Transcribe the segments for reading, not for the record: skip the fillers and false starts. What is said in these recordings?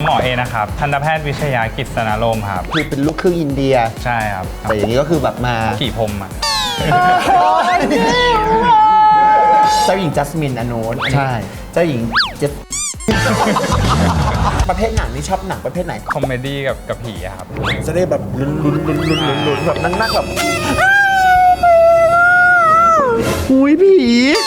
หมอเอนะครับทันตแพทย์วิชยากิจสนารมครับคือเป็นลูกครึ่งอินเดียใช่ครับแต่อย่างนี้ก็คือแบบมาขี่พรมอ่ะเจ้าหญิงจัสมินอโนนใช่เจ้าหญิงเจสประเภทหนังนี่ชอบหนังประเภทไหนคอมเมดี้กับผีครับจะได้แบบลุ้นแบบนั่งแบบหุยผี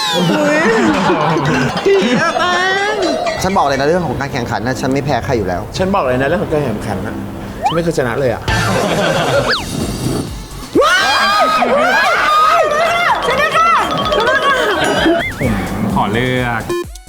ผีอะแม่ฉันบอกเลยนะเรื่องของการแข่งขันนะฉันไม่แพ้ใครอยู่แล้วฉันบอกเลยนะเรื่องของการแข่งขันนะฉันไม่เคยชนะเลยอะผมขอเลือก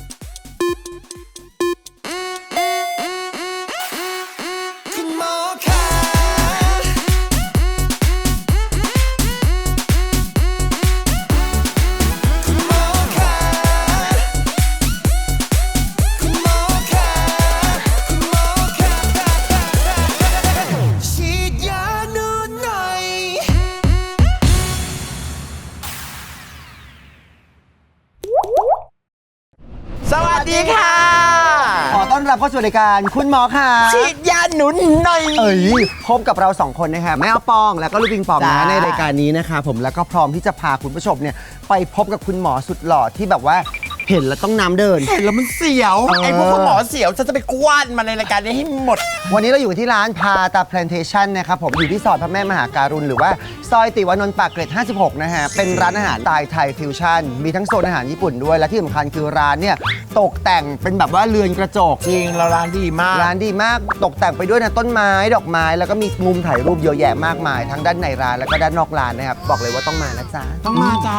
สวัสดีค่ะขอต้อนรับเข้าสู่รายการคุณหมอค่ะฉีดยาหนุนหน่อยพบกับเรา2คนนะครับแม่ปองแล้วก็ลูกปิงปองนะในรายการนี้นะคะผมแล้วก็พร้อมที่จะพาคุณผู้ชมเนี่ยไปพบกับคุณหมอสุดหล่อที่แบบว่าเห็นแล้วต้องน้ำเดินเห็นแล้วมันเสียวไอ้พวกคุณหมอเสียวจะไปกว้านมาในรายการนี้ให้หมดวันนี้เราอยู่ที่ร้านพาตาแพลนเทชั่นนะครับผมอยู่ที่ซอยพระแม่มหาการุณหรือว่าซอยติวานนท์ปากเกร็ด56นะฮะเป็นร้านอาหารสไตล์ไทยฟิวชั่นมีทั้งโซนอาหารญี่ปุ่นด้วยและที่สำคัญคือร้านเนี่ยตกแต่งเป็นแบบว่าเรือนกระจกจริงเราร้านดีมากตกแต่งไปด้วยนะต้นไม้ดอกไม้แล้วก็มีมุมถ่ายรูปเยอะแยะมากมายทั้งด้านในร้านแล้วก็ด้านนอกร้านนะครับบอกเลยว่าต้องมานะจ๊ะต้องมาจ้า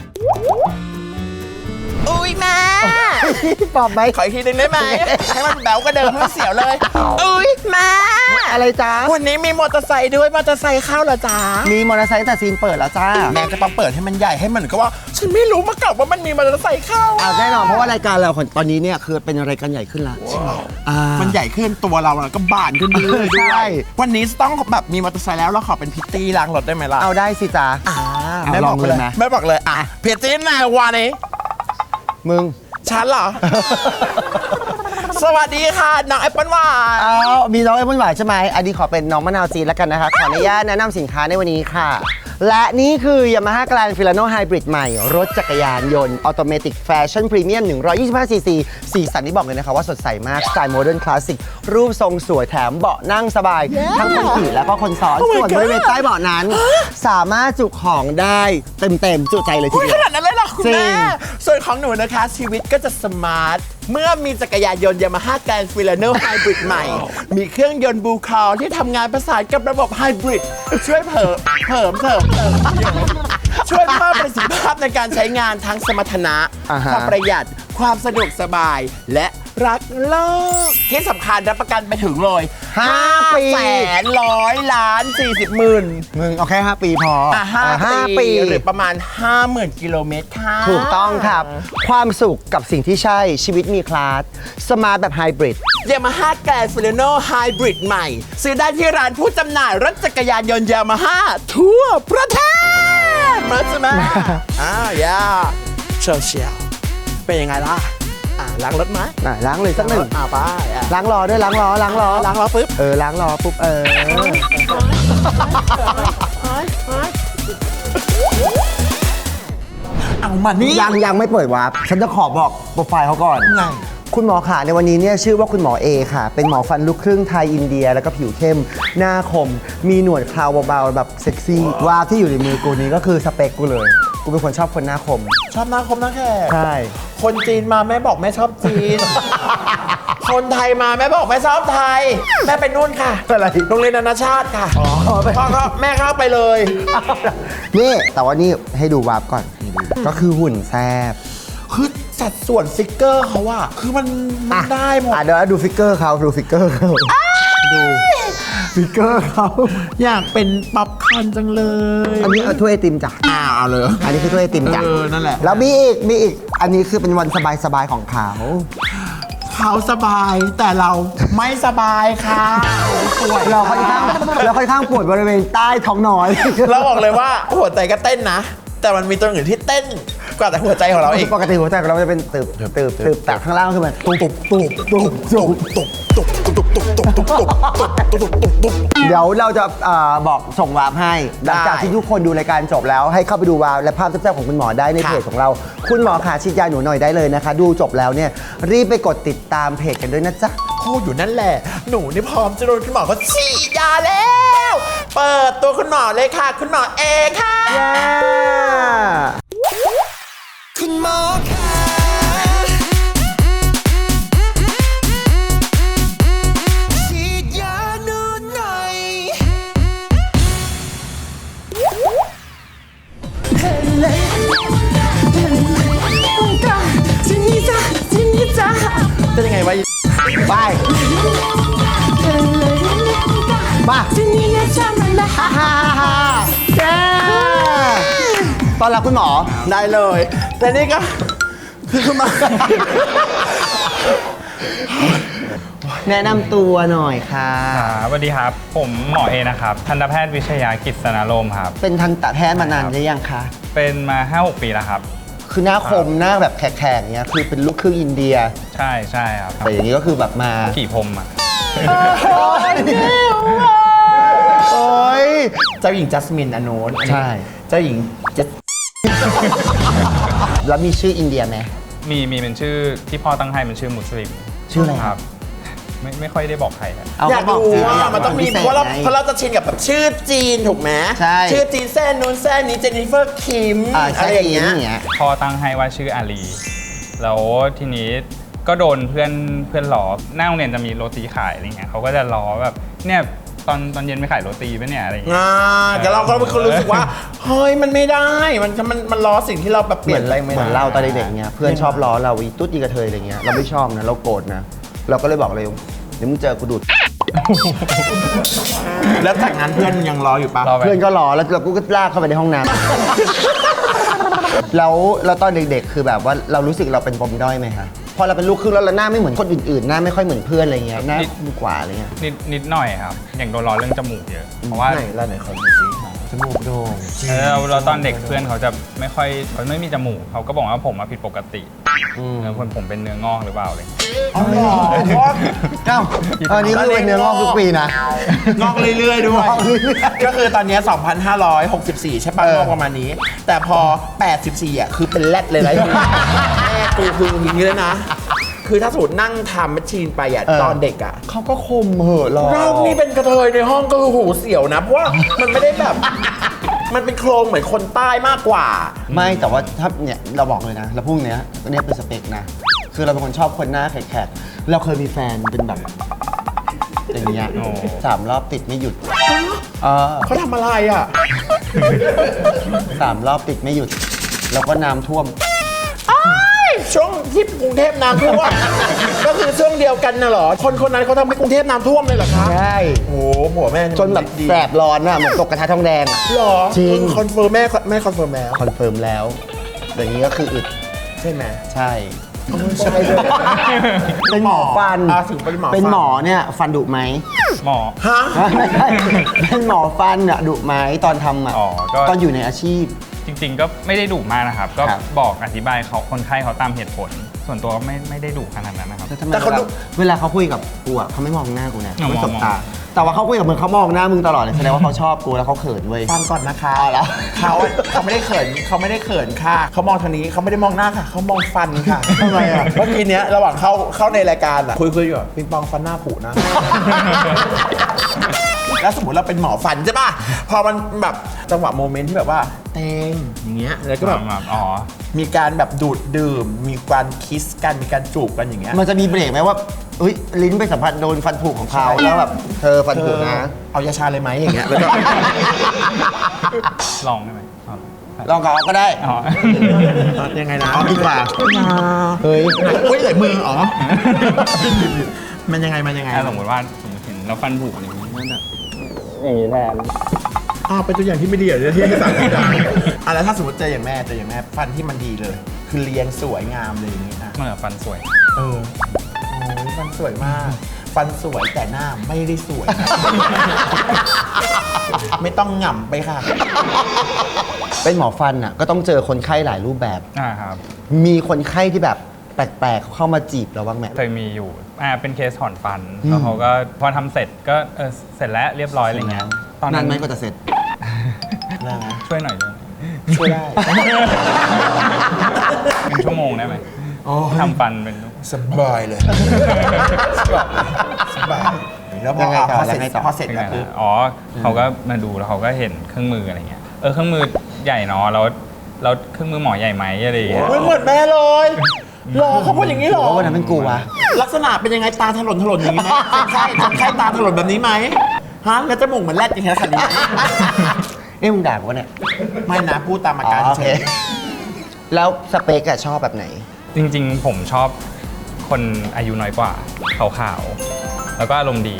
อุ้ยแม่ปอบไหมขออีกทีนึงได้ไหมให้มันแบ๋วก็เดิมให้มันเสียวเลยอุ้ยแม่อะไรจ้าวันนี้มีมอเตอร์ไซค์ด้วยมอเตอร์ไซค์เข้าเหรอจ้ามีมอเตอร์ไซค์แต่ซีนเปิดแล้วจ้าแม่จะต้องเปิดให้มันใหญ่ให้มันก็ว่าฉันไม่รู้มาก่อนว่ามันมีมอเตอร์ไซค์เข้าแน่นอนเพราะว่ารายการเราตอนนี้เนี่ยคือเป็นรายการใหญ่ขึ้นละมันใหญ่ขึ้นตัวเราก็บานขึ้นเรื่อยๆด้วยวันนี้ต้องแบบมีมอเตอร์ไซค์แล้วเราขอเป็นพิตตี้ล้างรถได้ไหมล่ะเอาได้สิจ้าแม่บอกเลยนะแม่บอกเลยพิตตี้นายวานี้มึงฉันเหรอ สวัสดีค่ะน้องแอปเปิ้ลหวานมีน้องแอปเปิ้ลหวานใช่ไหมอันนี้ขอเป็นน้องมะนาวจีนแล้วกันนะคะขออนุญาตแนะนำสินค้าในวันนี้ค่ะและนี่คือ Yamaha Grand Filano Hybrid ใหม่รถจักรยานยนต์ออโตเมติกแฟชั่นพรีเมียม125 ซีซีสีสันที่บอกเลยนะคะว่าสดใสมากสไตล์โมเดิร์นคลาสสิกรูปทรงสวยแถมเบาะนั่งสบายทั้งคนขี่แล้วก็คนซ้อนส่วนบริเวณใต้เบาะนั้นสามารถจุของได้เต็มจุใจเลยทีเดียวขนาดนั้นเลยเหรอคุณแม่ส่วนของหนูนะคะชีวิตก็จะสมาร์ทเมื่อมีจักรยานยนต์ Yamaha Grand Filano Hybrid ใหม่มีเครื่องยนต์บูคอลที่ทำงานประสานกับระบบไฮบริดช่วยเพิ่มช่วยเพิ่มประสิทธิภาพในการใช้งานทั้งสมรรถนะความประหยัดความสะดวกสบายและรักโลกที่สำคัญรับประกันไปถึงเลย5 ปี100,40,000มึงเอาแค่5 ปีพอ5 ปีหรือประมาณ 50,000 กิโลเมตรค่ะถูกต้องครับความสุขกับสิ่งที่ใช่ชีวิตมีคลาสสมาร์ทแบบไฮบริด Yamaha Grand Filano Hybrid ใหม่ซื้อได้ที่ร้านผู้จำหน่ายรถจักรยานยนต์ Yamaha ทั่วประเทศมาใช่ไหมย่าเชียวเป็นยังไงล่ะล้างรถไหมล้างเลยสักหนึ่งไปล้างล้อด้วยล้างล้อปุ๊บล้างล้อปุ๊บเอามานี่ยังไม่เปิดวาร์ปฉันจะขอบอกโปรไฟล์เขาก่อนคุณหมอขาในวันนี้เนี่ยชื่อว่าคุณหมอเอค่ะเป็นหมอฟันลูกครึ่งไทยอินเดียแล้วก็ผิวเข้มหน้าคมมีหนวดเคราเบาๆแบบเซ็กซี่วาร์ปที่อยู่ในมือกูนี้ก็คือสเปคกูเลยกูเป็นคนชอบคนหน้าคมชอบหน้าคมนะแค่ใช่คนจีนมาแม่บอกแม่ชอบจีน คนไทยมาแม่บอกแม่ชอบไทยแม่เป็นนู่นค่ะอะไรโรงเรียนนานาชาติค่ะพ่อก็แม่เข้าไปเลยนี่แต่ว่านี่ให้ดูวาร์ปก่อนก็คือหุ่นแซ่บคือสัดส่วนฟิกเกอร์เขาอะคือมันได้หมดเดี๋ยวดูฟิกเกอร์เขาดูฟิกเกอร์เขาดูฟิกเกอร์เขาอยากเป็นป๊อปคอร์นจังเลยอันนี้ถ้วยไอติมจ้ะเอาเลยอันนี้คือถ้วยไอติมจ้ะนั่นแหละแล้วมีอีกอันนี้คือเป็นวันสบายของเขาสบายแต่เราไม่สบายค่ะเราค่อนข้างปวดบริเวณใต้ท้องน้อยเราบอกเลยว่าหัวใจก็เต้นนะแต่มันมีตัวอื่นที่เต้นกว่าแต่หัวใจของเราเองปกติหัวใจของเราจะเป็นตึบแต่ข้างล่างคือมันตุบเดี๋ยวเราจะบอกส่งวาร์ปให้หลังจากที่ทุกคนดูรายการจบแล้วให้เข้าไปดูวาร์ปและภาพแซ่บๆของคุณหมอได้ในเพจของเราคุณหมอขาฉีดยาหนูหน่อยได้เลยนะคะดูจบแล้วเนี่ยรีบไปกดติดตามเพจกันด้วยนะจ๊ะพูดอยู่นั่นแหละหนูนี่พร้อมจะโดนคุณหมอเขาฉีดยาแล้ว เปิดตัวคุณหมอเลยค่ะคุณหมอเอค่ะคุณหมอค่ะฉีดยาหนูหน่อยเป็นยังไงวะไปมาแกตอนรับคุณหมอได้เลยแต่นี่ก็คือคุณหมอแนะนำตัวหน่อยค่ะสวัสดีครับผมหมอเอนะครับทันตแพทย์วิชยากิจสนารมครับเป็นทันตแพทย์มานานหรือยังคะเป็นมา 5-6 ปีแล้วครับคือหน้าคมหน้าแบบแขกๆเนี้ยคือเป็นลูกครึ่งอินเดียใช่ใช่ครับแต่อย่างนี้ก็คือแบบมาขี่พรมอ่ะโอ้ยเจ้าหญิงจัสมินอโนนใช่เจ้าหญิงจัสแล้วมีชื่ออินเดียไหมมีเป็นชื่อที่พ่อตั้งให้เป็นชื่อมุสลิมชื่ออะไรครับไม่ค่อยได้บอกใครนะอยากรู้ว่ามันต้องมีเพราะเราจะชินกับแบบชื่อจีนถูกไหมใช่ชื่อจีนแซ่นู้นแซ่นี้เจนนิเฟอร์คิมอะไรอย่างเงี้ยพ่อตั้งให้ว่าชื่ออาลีแล้วทีนี้ก็โดนเพื่อนล้อหน้าโรงเรียนจะมีโรตีขายอะไรเงี้ยเขาก็จะล้อแบบเนี่ยตอนเย็นไม่ขายโรตีป่ะเนี่ยอะไรอย่างเงี้ยแต่เราก็เป็นคนรู้สึกว่าเฮ้ยมันไม่ได้มันล้อสิ่งที่เราแบบเปลี่ยนอะไรไม่ได้เหมือนเราตอนเด็กๆเงี้ยเพื่อนชอบล้อเราอีตุ๊ดอีกระเทยอะไรเงี้ยเราไม่ชอบนะเราโกรธนะเราก็เลยบอกเลยเดี๋ยวมึงเจอกูดูดแล้วจากนั้นเพื่อนยังรออยู่ปะเพื่อนก็รอแล้วเราก็ลากเข้าไปในห้องน้ำแล้วตอนเด็กๆคือแบบว่าเรารู้สึกเราเป็นปมด้อยไหมคะพอเราเป็นลูกครึ่งแล้วเราหน้าไม่เหมือนคนอื่นๆหน้าไม่ค่อยเหมือนเพื่อนอะไรเงี้ยหน้าดีกว่าอะไรเงี้ยนิดหน่อยครับอย่างโดนล้อเรื่องจมูกเยอะเพราะว่าไหนเขาดูสิจมูกโด่งเราตอนเด็กเพื่อนเขาจะเขาไม่มีจมูกเขาก็บอกว่าผมผิดปกติแล้วผมเป็นเนื้องอกหรือเปล่าอะไรอ๋อตอนนี้ก็เป็นเนื้องอกทุกปีนะงอกเรื่อยๆด้วยก็คือตอนนี้2,564ใช่ป่ะงอกประมาณนี้แต่พอ84อ่ะคือเป็นแรดเลยนะแม่กูคืออย่างนี้เลยนะคือถ้าสูตรนั่งทำแมชชีนไปอ่ะตอนเด็กอ่ะเขาก็คมเหอะเรานี่เป็นกระเทยในห้องก็คือหูเสียวนะเพราะว่ามันไม่ได้แบบมันเป็นโครงเหมือนคนใต้มากกว่าไม่แต่ว่าถ้าเนี่ยเราบอกเลยนะเราพวกเนี้ยเนี่ยเป็นสเปคนะคือเราเป็นคนชอบคนหน้าแขกๆเราเคยมีแฟนเป็นแบบอย่างเงี้ย3 รอบติดไม่หยุดเขาทำอะไรอ่ะ 3 รอบติดไม่หยุดแล้วก็น้ำท่วมช่วงที่กรุงเทพน้ำท่วมก็คือช่วงเดียวกันน่ะเหรอคนนั้นเขาทำให้กรุงเทพน้ำท่วมเลยเหรอคะใช่โอ้หัวแม่จนแบบแสบร้อนอ่ะเหมือนตกกระทะทองแดงหรอจริงคอนเฟิร์มแม่คอนเฟิร์มแล้วคอนเฟิร์มแล้วอย่างนี้ก็คืออึดใช่ไหมใช่ใช่เลยเป็นหมอฟันถึงเป็นหมอเป็นหมอเนี่ยฟันดุไหมหมอฮะไม่ใช่เป็นหมอฟันอะดุไหมตอนทำอะตอนอยู่ในอาชีพจริงๆก็ไม่ได้ดุมากนะครับก็บอกอธิบายเขาคนไข้เขาตามเหตุผลส่วนตัวก็ไม่ได้ดุขนาดนั้นนะครับแต่เขาเวลาเขาคุยกับกูอะเขาไม่มองหน้ากูนะเขาไม่สบตาแต่ว่าเขาคุยกับมึงเขามองหน้ามึงตลอดเลยแสดงว่าเขาชอบกูแล้วเขาเขินเว้ยฟังก่อนนะคะแล้วเขาไม่ได้เขินค่ะเขามองทางนี้เขาไม่ได้มองหน้าค่ะเขามองฟันค่ะทำไมอะเมื่อกี้เนี้ยระหว่างเข้าในรายการอะคุยอยู่ปิงปองฟันหน้าผุนะแล้วสมมติเราเป็นหมอฟันใช่ป่ะพอมันแบบจังหวะโมเมนต์ที่แบบว่าเต็งอย่างเงี้ยแล้วก็แบบมีการแบบดูดดื่มมีการคิสกันมีการจูบกันอย่างเงี้ยมันจะมีเบรกไหมว่าลิ้นไปสัมผัสโดนฟันผุของเขาแล้วแบบเธอฟันผุนะเอายาชาเลยไหมอย่างเงี้ยแล้วก็ลองได้ไหมลองก็ได้ยังไงนะดีกว่าเฮ้ยไหลมือมันยังไงสมมติเห็นเราฟันผุอย่างนี้แบบอย่างนี้แทนเป็นตัวอย่างที่ไม่ดีเลยที่ให้สั่งไม่ได้แล้วถ้าสมมติเจออย่างแม่ฟันที่มันดีเลยคือเรียงสวยงามเลยอย่างนี้นะฟันสวยโอ้ยฟันสวยมากฟันสวยแต่หน้าไม่ได้สวยไม่ต้องหง่ำไปค่ะเป็นหมอฟันอ่ะก็ต้องเจอคนไข้หลายรูปแบบครับมีคนไข้ที่แบบแปลกๆเข้ามาจีบเราบ้างไหมเคยมีอยู่เป็นเคสถอนฟันแล้วเขาก็พอทำเสร็จก็เสร็จแล้วเรียบร้อยอะไรเงี้ยตอนนานั้น นไหมกว่าจะเสร็จช่วยหน่อยด้วยช่วยได้เป็นชั่วโมงได้ไหมทำฟันเป็นสบายเลยสบายแล้วพยัองไงต่อเสร็ยังไงจต่อพอเสร็จแล้วคืออ๋อเขาก็มาดูแล้วเขาก็เห็นเครื่องมืออะไรเงี้ยเครื่องมือใหญ่เนาะแล้วเครื่องมือหมอใหญ่ไหมอะไรอย่างเงี้ยเหมือนแม่เลยหรอเขาพูดอย่างนี้หรอว่าวันนั้นเป็นกูวะลักษณะเป็นยังไงตาถลนอย่างนี้ไหมคนไข้ตาถลนแบบนี้ไหมฮะแล้วจมูกเหมือนแรดอย่างนี้ขนาดนี้ไหมมึงด่ากูวะเนี่ยไม่นะพูดตามอาการโอเฉเคยแล้วสเปกอะชอบแบบไหนจริงๆ ผมชอบคนอายุน้อยกว่าขาวๆแล้วก็อารมณ์ดี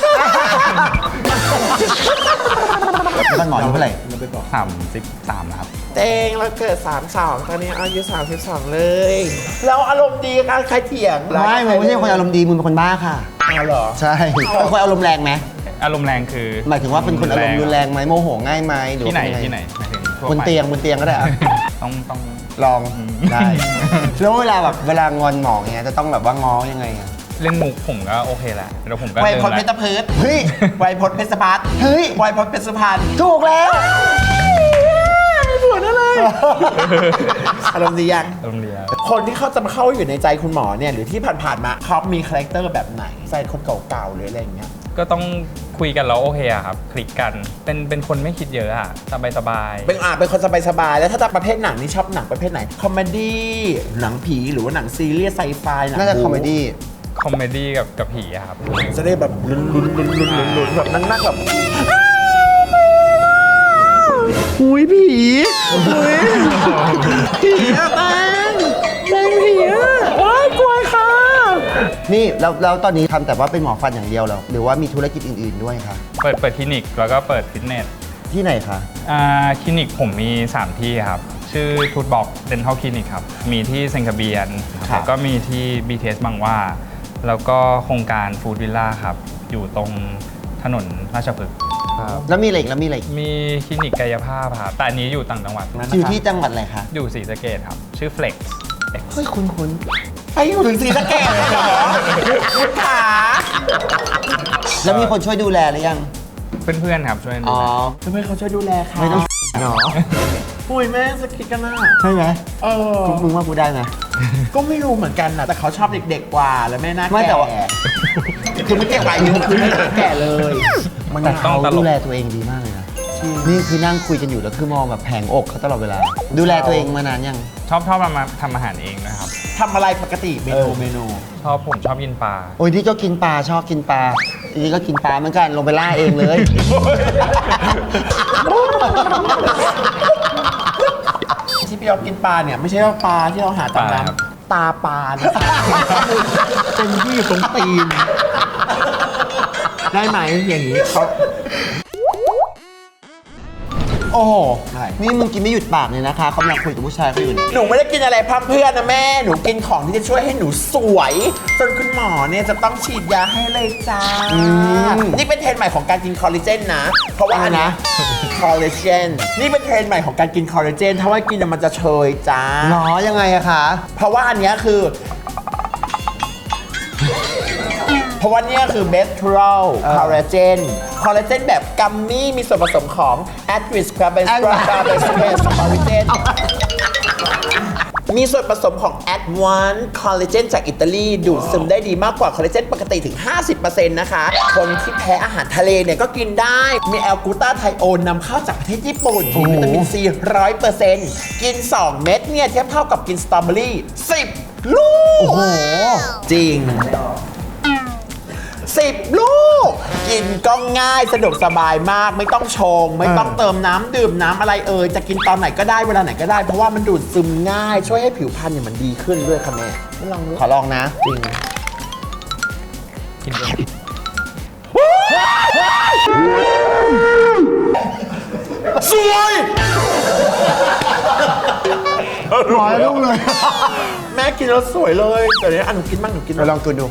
แล้วก็หงอยเท่าไหร่ 33นะครับเตงเราเกิด32ตอนนี้อายุ32เลยแล้วอารมณ์ดีกันใครเถียงไม่มึงไม่ใช่คนอารมณ์ดีมึงเป็นคนบ้าค่ะอ้าวเหรอใช่เป็นคนอารมณ์แรงไหมอารมณ์แรงคือหมายถึงว่าเป็นคนอารมณ์รุนแรงไหมโมโหง่ายไหมหรือที่ไหนว่าเป็ที่ไหนหมายถึงทั่วบนไปเตียงก็ได้อะต้องลองได้ แล้วเวลาแบบเวลางอนหมอเงี้ยจะต้องแบบว่าง้อยังไงอะเล่นมุกผมก็โอเคแหละแล้วผมก็ไวยเดิพจน์เพชรนละพืชเฮ้ยไวยพจน์เพชรพัฒน์เฮ้ยไวยพจน์เพชรสุพรรณถูกแล้วไม่ปวดอะไรอารมณ์ดียังอารมณ์ดีอะคนที่เขาจะมาเข้าอยู่ในใจคุณหมอเนี่ยหรือที่ผ่านๆมาเขามีคาแรคเตอร์แบบไหนใจคนเก่าๆหรืออะไรอย่างเงี้ยก็ต้องคุยกันแล้วโอเคอะครับคลิกกันเป็นคนไม่คิดเยอะอะสบายเป็นคนสบายๆแล้วถ้าจะประเภทหนังนี่ชอบหนังประเภทไหนคอมเมดี้หนังผีหรือว่าหนังซีเรียสไซไฟหนังน่าจะคอมเมดี้คอมเมดี้กับผีอะครับจะได้แบบลุ้นๆแบบนั่งๆแบบหุยผีหุยผีอะแตงผีอะว้ายกลัวค่ะนี่แล้วตอนนี้ทำแต่ว่าเป็นหมอฟันอย่างเดียวเหรอหรือว่ามีธุรกิจอื่นๆด้วยคะเปิดคลินิกแล้วก็เปิดฟิตเนสที่ไหนคะคลินิกผมมี 3 ที่ครับ ชื่อทูตบอกเดนทัลคลินิกครับ มีที่เซนคาเบียนแล้วก็มีที่ BTS บางหว่า แล้วก็โครงการฟู้ดวิลล่าครับ อยู่ตรงถนนราชพฤกษ์แล้วมีอะไรอีกแล้วมีอะไรอีกมีคลินิกกายภาพครับ แต่อันนี้อยู่ต่างจังหวัดอยู่ที่จังหวัดอะไรคะอยู่ศรีสะเกษครับ ชื่อ Flex เฮ้ยคุ้นไปอยู่ถึงศรีสะเกษเลยเหรอขาๆแล้วมีคนช่วยดูแลหรือยังเพื่อนๆครับช่วยดูอ๋อแลทำไมเขาช่วยดูแลค่ะไม่ต้องหรอปุ้ยแม่งสกิดกันน่ะใช่ไหมเออมึงว่ากูได้ไหมก็ไม่รู้เหมือนกันนะแต่เขาชอบเด็กๆกว่าแล้วแม่น่าไม่แต่แก่ว่าคือไม่แก่กว่าอายุคือไม่แก่เลยมันแต่ต้อเขางตลกดูแลตัวเองดีมากเลยนะนี่คือนั่งคุยกันอยู่แล้วคือมองแบบแผงอกเขาตลอดเวลา ดูแลตัวเองมานานยังชอบมาทำอาหารเองนะครับทำอะไรปกติเมนูผมชอบกินปลาโอ้ยที่ก็กินปลาชอบกินปลาอีนี่ก็กินปลาเหมือนกันลงไปล่าเองเลยที่พี่เอากินปลาเนี่ยไม่ใช่ว่าปลาที่เราหาตามปลาครับน้ำตาปลานะคะเป็นที่อยู่ตรงตีน ได้ไหมอย่างนี้เขาโอ้โหอะไรนี่มึงกินไม่หยุดปากเลยนะคะเขากำลังคุยกับผู้ชายเขาอยู่เนี่ยหนูไม่ได้กินอะไรพร่ำเพรื่อนนะแม่ หนูกินของที่จะช่วยให้หนูสวยจนคุณหมอเนี่ยจะต้องฉีดยาให้เลยจ้า นี่เป็นเทรนด์ใหม่ของการกินคอลลาเจนนะ เพราะว่าอันนะคอลลาเจน นี่เป็นเทรนด์ใหม่ของการกินคอลลาเจน ถ้าว่ากินมันจะเชยจ้าหรอยังไงอะคะเพราะว่าอันเนี้ยคือ เพราะว่าเนี่ยคือ b e s t r o l collagen คอลลาเจนแบบกัมมี่มีส่วนผสมของ a d r i s c a r b o n collagen มีส่วนผสมของ Advanced Collagen จากอิตาลี ดูดซึมได้ดีมากกว่าคอลลาเจนปกติถึง 50% นะคะ คนที่แพ้อาหารทะเลเนี่ยก็กินได้ มีแอลกูตาไทโอนนำเข้าจากประเทศญี่ปุ่น มีวิตามินซี 100% กิน 2 เม็ดเนี่ยเทียบเท่ากับกินสตรอเบอรี่10 ลูกโอ้โหจริง 10 ลูก กินก็ง่ายสะดวกสบายมากไม่ต้องชง ไม่ต้องเติมน้ำดื่มน้ำอะไรจะกินตอนไหนก็ได้เวลาไหนก็ได้ เพราะว่ามันดูดซึมง่ายช่วยให้ผิวพรรณเนี่ยมันดีขึ้นด้วยค่ะแม่ไม่ลองดูขอลองนะจริงกินด้วยสวยหมอลูกเลยแม่กินแล้วสวยเลยแต่เนี้ยหนูกินบ้างหนูกินไปลองกินดู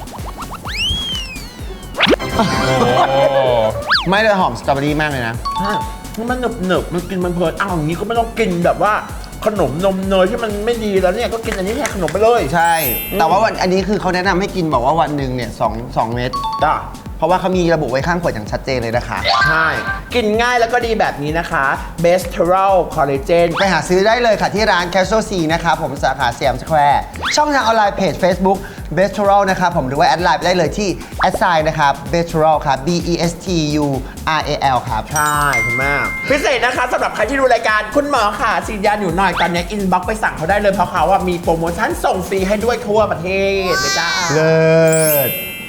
โอ้ไม่เลยหอมสตรอเบอรี่มากเลยนะนี่มันหนึบมันกินมันเพลินอ้าวอย่างนี้ก็ไม่ต้องกินแบบว่าขนมนมเนยที่มันไม่ดีแล้วเนี่ยก็กินอันนี้แทนขนมไปเลยใช่ แต่ว่าอันนี้คือเขาแนะนำให้กินบอกว่าวันหนึ่งเนี่ย2 เม็ดจ้าเพราะว่าเขามีระบุไว้ข้างขวดอย่างชัดเจนเลยนะคะใช่กินง่ายแล้วก็ดีแบบนี้นะคะ b e s t e r a l Collagen ไปหาซื้อได้เลยค่ะที่ร้าน Casual C นะครับผมสาขาสยามสแควร์ช่องทางออนไลน์เพจ Facebook b e s t e r a l นะครับผมหรือว่าแอดไลน์ได้เลยที่แอดไซน์นะครับ b e s t e r a l ครับ BESTURAL ครับใช่คุณแม่พิเศษนะคะสำหรับใครที่ดูรายการคุณหมอค่ะฉีดยาอยู่หน่อยตอนนี้อินบ็อกไปสั่งเขาได้เลยเพราะเขาว่ามีโปรโมชั่นส่งฟรีให้ด้วยทั่วประเทศเลยจ้าเลิศ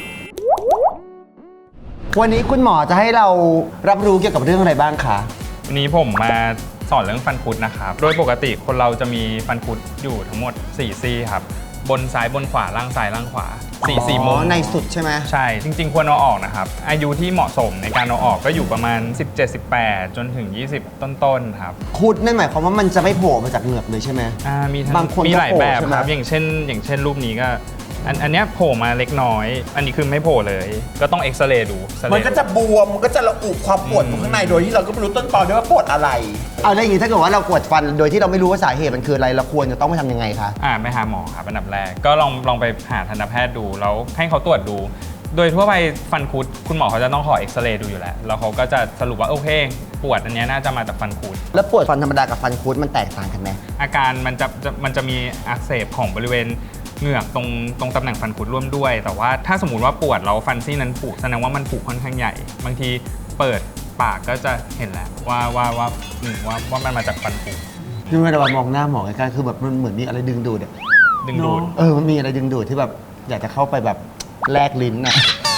วันนี้คุณหมอจะให้เรารับรู้เกี่ยวกับเรื่องอะไรบ้างคะวันนี้ผมมาสอนเรื่องฟันคุดนะครับ โดยปกติคนเราจะมีฟันคุดอยู่ทั้งหมด4ซี่ครับ บนซ้ายบนขวาล่างซ้ายล่างขวา4มุมในสุดใช่ไหมใช่ จริง ๆ ควรเอาออกนะครับ อายุที่เหมาะสมในการเอาออกก็อยู่ประมาณ 17-18 จนถึง 20 ต้นๆครับคุดนั่นหมายความว่ามันจะไม่โผล่มาจากเหงือกเลยใช่ไหมมีทั้บางคนมีหลายก็โผล่แบบใช่ไหมครับ อย่างเช่นรูปนี้ก็อันเนี้ยโผล่มาเล็กน้อย อันนี้คือไม่โผล่เลย ก็ต้องเอ็กซเรย์ดูเอ็กซเรย์มันก็จะบวมมันก็จะระอุความปวดอยู่ข้างในโดยที่เราก็ไม่รู้ต้นตอด้วยว่าปวดอะไรเอาได้วอย่างนี้ถ้าเกิดว่าเราปวดฟันโดยที่เราไม่รู้ว่าสาเหตุมันคืออะไรเราควรจะต้องไปทำยังไงคะไปหาหมอครับอันดับแรกก็ลองไปหาทันตแพทย์ดูแล้วให้เขาตรวจดู โดยทั่วไปฟันคุดคุณหมอเขาจะต้องขอเอ็กซเรย์ดูอยู่แล้วแล้วเขาก็จะสรุปว่าโอเคปวดอันเนี้ยน่าจะมาจากฟันคุดแล้วปวดฟันธรรมดากับฟันคุดมันแตกต่างกันไหมอาการมันจะมีอักเสบของบริเวณเหงือกตรงตำแหน่งฟันคุดร่วมด้วย แต่ว่าถ้าสมมติว่าปวดแล้วฟันซี่นั้นผุแสดงว่ามันผุค่อนข้างใหญ่ บางทีเปิดปากก็จะเห็นแหละว่ามันมาจากฟันผุดูเวลามองหน้าหมอใกล้ๆคือแบบมันเหมือนมีอะไรดึงดูดอะดึงดูดมันมีอะไรดึงดูดที่แบบอยากจะเข้าไปแบบแลกลิ้นน่ะ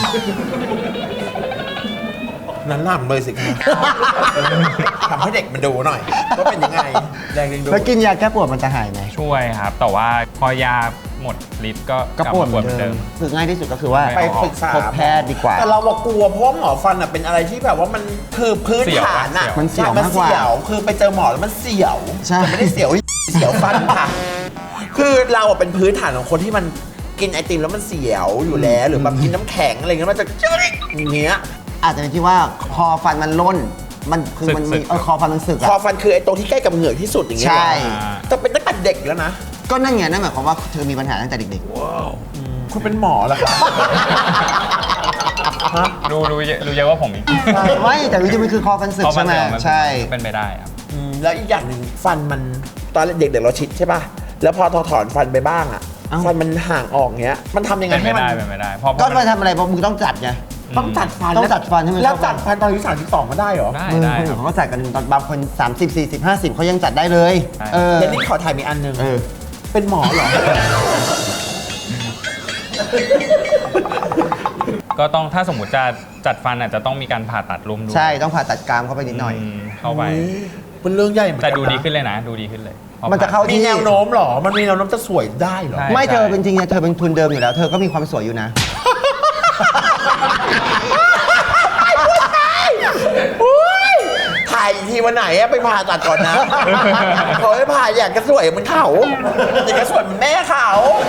นั้นล่ำเลยสิคะทำให้เด็กมันดูหน่อยว่าเป็นยังไงแรงดึงดูดแล้วกินยาแก้ปวดมันจะหายไหมช่วยครับ แต่ว่าพอยาหมดฤทธิ์ก็กลับปวดมาเหปมืวอดนเหมือนเดิเดิมมคือง่ายที่สุดก็คือว่าไปปรึกษาพบแพทย์ดีกว่าแต่เรากลัวเพราะว่าหมอฟันเป็นอะไรที่แบบว่ามันคือพื้นฐานอะมันเสี่ยวมากกว่านเสี่ยวคือไปเจอหมอแล้วมันเสี่ยวใช่แต่ไม่ได้เสี่ยว เสี่ยวฟันค่ะ คือเราอะเป็นพื้นฐานของคนที่มันกินไอติมแล้วมันเสียวอยู่แล้วหรือแบบกินน้ำแข็งอะไรเงี้ยมันจะอย่างเงี้ยอาจจะเป็นที่ว่าคอฟันมันล่นมันคือมันมีคอฟันมันสึกคออะฟันคือไอตรงที่ใกล้กับเหงือกที่สุดอย่างเงี้ยใช่แต่เป็นตั้งแต่เด็กแล้วนะก็นั่นไงนั่นหมายความว่าเธอมีปัญหาตั้งแต่เด็กคุณเป็นหมอเหรอครับรู้เยอะว่าผมอีกๆไม่แต่จริงๆมันคือคอฟันสึกเพราะใช่ไหมมันใช่เป็นไปได้ครับแล้วอีกอย่างหนึ่งฟันมันตอนเด็กๆเราชิดใช่ป่ะแล้วพอถอนฟันไปบ้างอะฟันมันห่างออกเงี้ยมันทำยังไงเป็นให้ไม่มันได้เป็นไม่ได้เพราะก็มันไปทำอะไรเพราะมึงต้องจัดไงต้องจัดฟันต้องจัดฟันให้มันแล้วเข้ากันจัดฟันตอนอายุ32ก็ได้เหรอได้คนคอื่รันบเขาก็จัดกันตอนบางคน 30 40 50เขายังจัดได้เลยใช่เดี๋ยวนี้ขอถ่ายมีอันหนึงเออเป็นหมอเหรอก็ต้องถ้าสมมติจะจัดฟันอาจจะต้องมีการผ่าตัดรวมด้วยใช่ต้องผ่าตัดกรามเข้าไปนิดหน่อยเข้าไปเป็นเรื่องใหญ่เหมือนแต่กันดูดีขึ้นเลยนะดูดีขึ้นเลยพอมันจะเข้ามีแนวโน้มเหรอ มันมีแนวโน้มจะสวยได้เหรอใช่ไม่เธอเป็นจริงๆเธอเป็นทุนเดิมอยู่แล้ว เธอก็มีความสวยอยู่นะถ่ายอีกทีวันไหนอะไปผ่าตัดก่อนนะ เขาไม่ผ่าอยากจะสวยเหมือนเขาอยากจะสวยเหมือนแม่เขา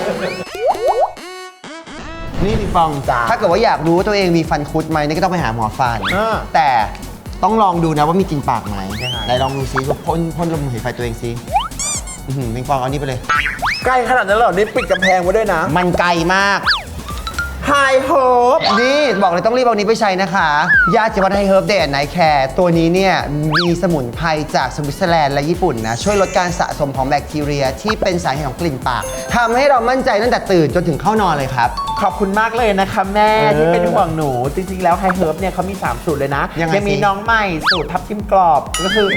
นี่พี่ฟองจ้ะถ้าเกิดว่าอยากรู้ว่าตัวเองมีฟันคุดไหมนี่ก็ต้องไปหาหมอฟันอ่าแต่ต้องลองดูนะว่ามีกลินปากไหมยังไงไหนลองดูซิพ่นลมหายไฟตัวเองซิพี่ฟองเอานี่ไปเลยใกล้ขนาดนั้นเหรอ นี่ปิดกำแพงไว้ด้วยนะมันไกลมากไฮโฮปนี่บอกเลยต้องรีบเอานี้ไปใช้นะคะยาจิวัตไฮเฮิร์บเดย์ไนท์แคร์ตัวนี้เนี่ยมีสมุนไพรจากสวิตเซอร์แลนด์และญี่ปุ่นนะช่วยลดการสะสมของแบคทีเรียที่เป็นสาเหตุของกลิ่นปากทำให้เรามั่นใจตั้งแต่ตื่นจนถึงเข้านอนเลยครับขอบคุณมากเลยนะคะแม่เออที่เป็นห่วงหนู จริงๆแล้วไฮเฮิร์บเนี่ยเขามี 3 สูตรเลยนะยังไงมีสิน้องใหม่สูตรทับทิมกรอบก็คือ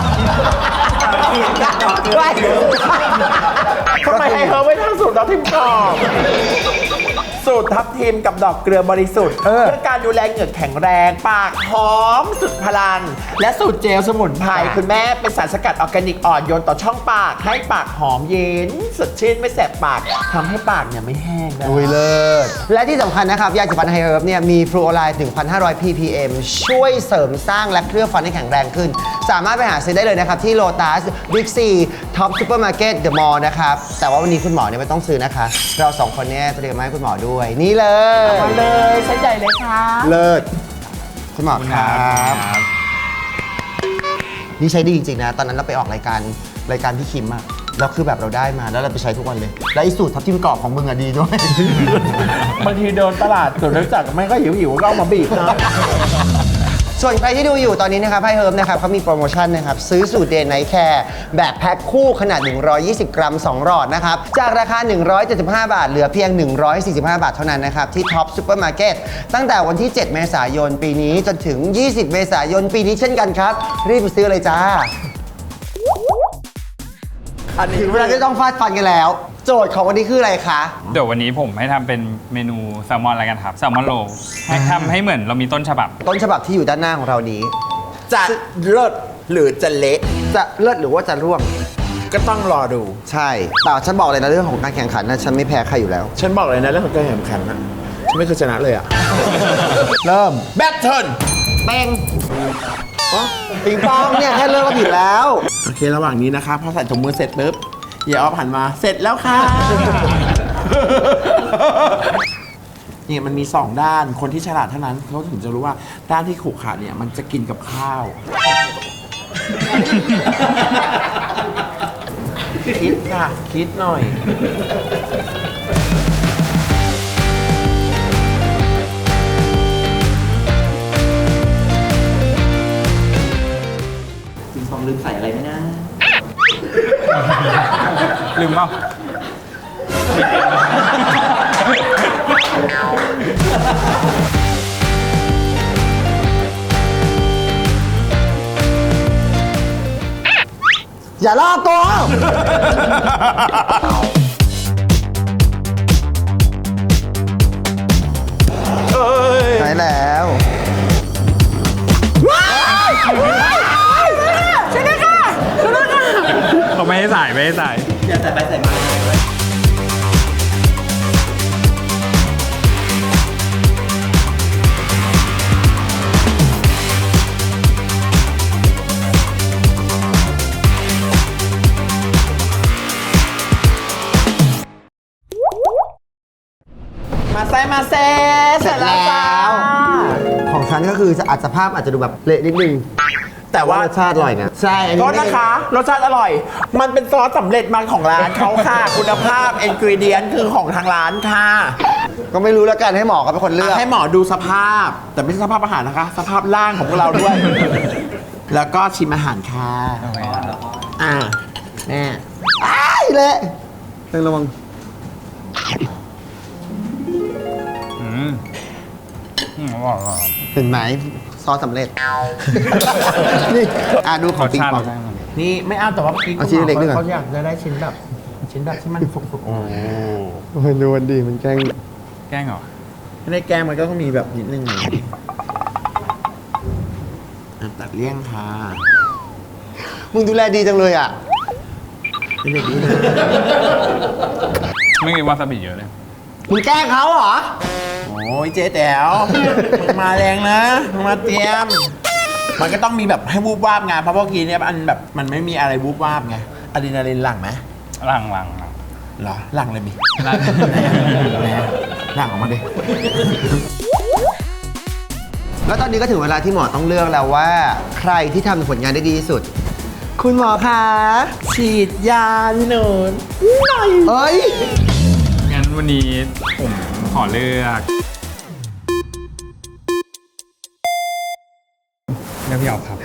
ทำไมไฮเฮิร์บไม่ทำสูตรทับทิมกรอบ สูตรทับทิมกับดอกเกลือบริสุทธิ์เพื่อการดูแลเหงือกแข็งแรง ปากหอมสุดพลัง และสูตรเจลสมุนไพรคุณแม่เป็นสารสกัดออร์แกนิกอ่อนโยนต่อช่องปาก ให้ปากหอมเย็นสดชื่นไม่แสบปากทำให้ปากเนี่ยไม่แห้งนะอุ้ยเลิศและที่สำคัญนะครับยาสีฟันไฮเฮิร์บเนี่ยมีฟลูออไรด์ถึง 1,500 ppm ช่วยเสริมสร้างและเคลือบฟันให้แข็งแรงขึ้น สามารถไปหาซื้อได้เลยนะครับ ที่ Lotus Big C Top Supermarket The Mall นะครับ แต่ว่าวันนี้คุณหมอเนี่ยไม่ต้องซื้อนะคะ เราสองคนเนี่ยเตรียมมาให้คุณหมอด้วย นี่เลยมาเลยใช้ใหญ่เลยค่ะเลิศคุณหมอขอบคุณคครัรับ บนี่ใช้ดีจริงๆนะ ตอนนั้นเราไปออกรายการรายการพี่คิมอะแล้วคือแบบเราได้มาแล้วเราไปใช้ทุกวันเลย แล้วไอ้สูตรทับทิมกรอบของมึงอะดีด้วยบางทีเดินตลาดส่วนรู้จักไม่ก็หิวก็เอามาบีบนะส่วนใครที่ดูอยู่ตอนนี้นะครับให้เฮิร์บนะครับเขามีโปรโมชั่นนะครับซื้อสูตรเดย์ไนท์แคร์แบบแพ็คคู่ขนาด 120 กรัม 2 หลอดนะครับจากราคา 175 บาทเหลือเพียง 145 บาทเท่านั้นนะครับที่ท็อปซูเปอร์มาร์เก็ตตั้งแต่วันที่ 7 เมษายนปีนี้จนถึง 20 เมษายนปีนี้เช่นกันครับรีบไปซื้อเลยจ้าอันนี้ถึงเวลาที่ต้องฟาดฟันกันแล้ว โจทย์ของวันนี้คืออะไรคะเดี๋ยววันนี้ผมให้ทำเป็นเมนูแซลมอนอะไรกันครับแซลมอนโรลให้ทำให้เหมือนเรามีต้นฉบับต้นฉบับที่อยู่ด้านหน้าของเรานี้จะเลิศหรือจะเละจะเลิศหรือว่าจะร่วงก็ต้องรอดูใช่แต่ฉันบอกเลยนะเรื่องของการแข่งขันนะฉันไม่แพ้ใครอยู่แล้วฉันบอกเลยนะเรื่องของการแข่งขันนะฉันไม่เคยชนะเลยอะเริ่มแบทเทิลเป้งปิงปองเนี่ยแค่เริ่มก็ผิดแล้วโอเคระหว่างนี้นะคะพอใส่ถุงมือเสร็จปุ๊บอย่าออฟหันมาเสร็จแล้วค่ะ เนี่ยมันมี 2 ด้านคนที่ฉลาดเท่านั้นเขาถึงจะรู้ว่าด้านที่ขรุขระเนี่ยมันจะกินกับข้าว คิดค่ะ คิดหน่อยปิงปองลืมใส่อะไรไหมนะลืมเปล่าอย่าลอกตัวใช่แล้วเขาไม่ให้ใส่ไม่ให้ใส่อย่าใส่ไปใส่มามาเซมาเซเสร็จแล้ว ของฉันก็คืออาจจะภาพอาจจะดูแบบเละนิดนึงแต่ว่ารสชาติอร่อยนะใช่อันก็นี้ไม่นะคะรสชาติอร่อย มันเป็นซอสสำเร็จมาของร้านเขาค่ะ คุณภาพอินกรีเดียนคือของทางร้านค่ะก็ไม่รู้แล้วกันให้หมอเขาเป็นคนเลือกให้หมอดูสภาพ แต่ไม่ใช่สภาพอาหารนะคะ สภาพร่างของพวกเราด้วย แล้วก็ชิมอาหารค่ะอ่าแม่อ้ายเละต้องระวังอืมอร่อยอร่อยเห็นไหมซอสสำเร็จ นี่ดูของปิงปองได้มานี่ไม่เอาแต่ว่าพี่เอาชิ้นเล็กๆด้วยก่อนเขาอยากจะได้ชิ้นแบบที่มันสุกๆโอ้มันดูมันดีมันแกล้งแกล้งเหรอไม่ได้แกงมันก็ต้องมีแบบนิดนึงอ่ะตัดเลี่ยงค่ะมึงดูแลดีจังเลยอ่ะเป็นเด็กดีนะไม่มีวาซาบิเยอะเลยมึงแกล้งเขาเหรอโอ้ยเจ๊แต๋วมึงมาแรงนะมึงมาเตรียม มันก็ต้องมีแบบให้วูบวาบไงเพราะเมื่อกี้เนี่ยอันแบบมันไม่มีอะไรวูบวาบไงอะดรีนาลีนหลั่งไหมหลังเหรอหลั่งเลยมิหลังหลั่งออกมาดิแล้วตอนนี้ก็ถึงเวลาที่หมอต้องเลือกแล้วว่า ใครที่ทำผลงานได้ดีที่สุด คุณหมอคะฉีดยาพี่หนูนเอ้ยงั้นวันนี้ผมขอเลือกพี่ออกครับ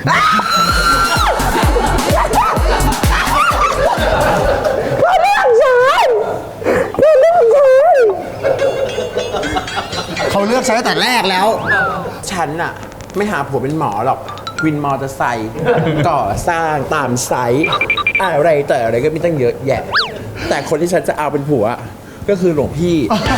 เขาเลือกใช้ตั้งแต่แรกแล้วฉันอะไม่หาผัวเป็นหมอหรอก วินมอเตอร์ไซค์ ก่อสร้างตามไซต์อะไรแต่อะไรก็มีตั้งเยอะแยะ แต่คนที่ฉันจะเอาเป็นผัวก็คือหลวงพี่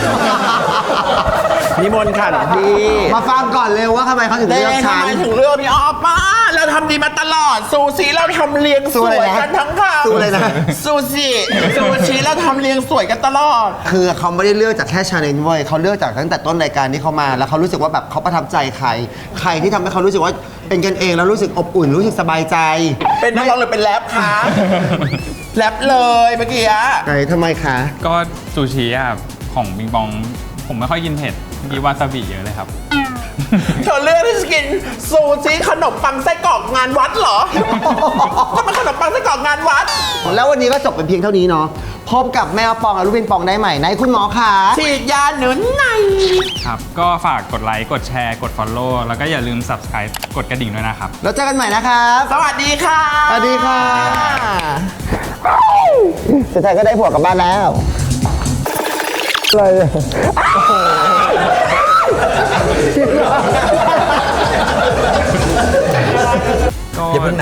นิมนต์ค่ะหลวงพี่มาฟังก่อนเร็วว่าทำไมเขาถึงแต่เลือกทำฉันไมถึงเลือกพี่ออฟป้าเราทำดีมาตลอด ซูชิเราทำเรียงสสู้วอะไรยนะกันทั้งคำสู้อะไรนะซูชิเราทำเรียงสวยกันตลอดคือเขาไม่ได้เลือกจากแค่ชาเลนจ์เว้ยเขาเลือกจากตั้งแต่ต้นรายการที่เขามา แล้วเขารู้สึกว่าแบบเขาประทับใจใคร ใครที่ทำให้เขารู้สึกว่าเป็นกันเองแล้วรู้สึกอบอุ่นรู้สึกสบายใจเป็นนักร้องหรือเป็นแรปคะแรปเลยเมื่อกี้อะไหนทำไมคะก็ซูชิอ่ะของบิงบอง ผมไม่ค่อยกินเผ็ดเมื่อกี้วาซาบิเยอะเลยครับเธอเลือกที่จะกินซูชิขนมปังไส้กรอกงานวัดเหรอจะมาขนมปังไส้กรอกงานวัดแล้ววันนี้ก็จบเป็นเพียงเท่านี้เนาะพบกับแม่ปองกับลูกปิงปองได้ใหม่ในคุณหมอค่ะฉีดยาหนุนในครับ ก็ฝากกดไลค์ กดแชร์ กด Follow แล้วก็อย่าลืม Subscribe กดกระดิ่งด้วยนะครับแล้วเจอกันใหม่นะครับสวัสดีค่ะสวัสดีค่ะสุดท้ายก็ได้ผัวกลับบ้านแล้วอะไรก็อย่าเพิ่งนะ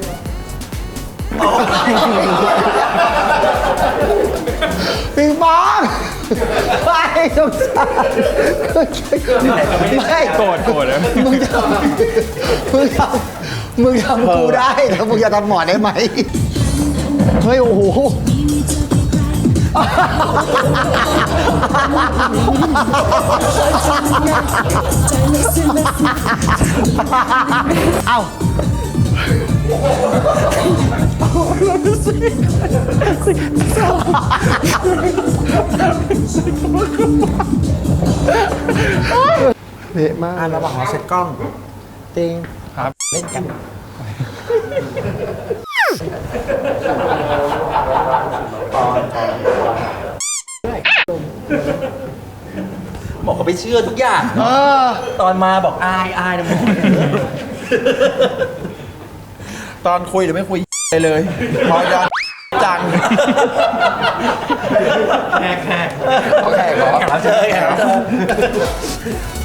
ปิงปองไม่สงสารไม่โกรธนะมึงทำกูได้แต่มึงจะทำหมอได้ไหมเฮ้ยโอ้โหเอ้าเละมากระหว่างเราเซ็ตกล้องติงครับเล่นกันบอกเขาไปเชื่อทุกอย่าง ตอนมาบอกอายนะมึงตอนคุยหรือไม่คุยเลยพอยอนจังแขกโอเคขอแขกรับเชิญ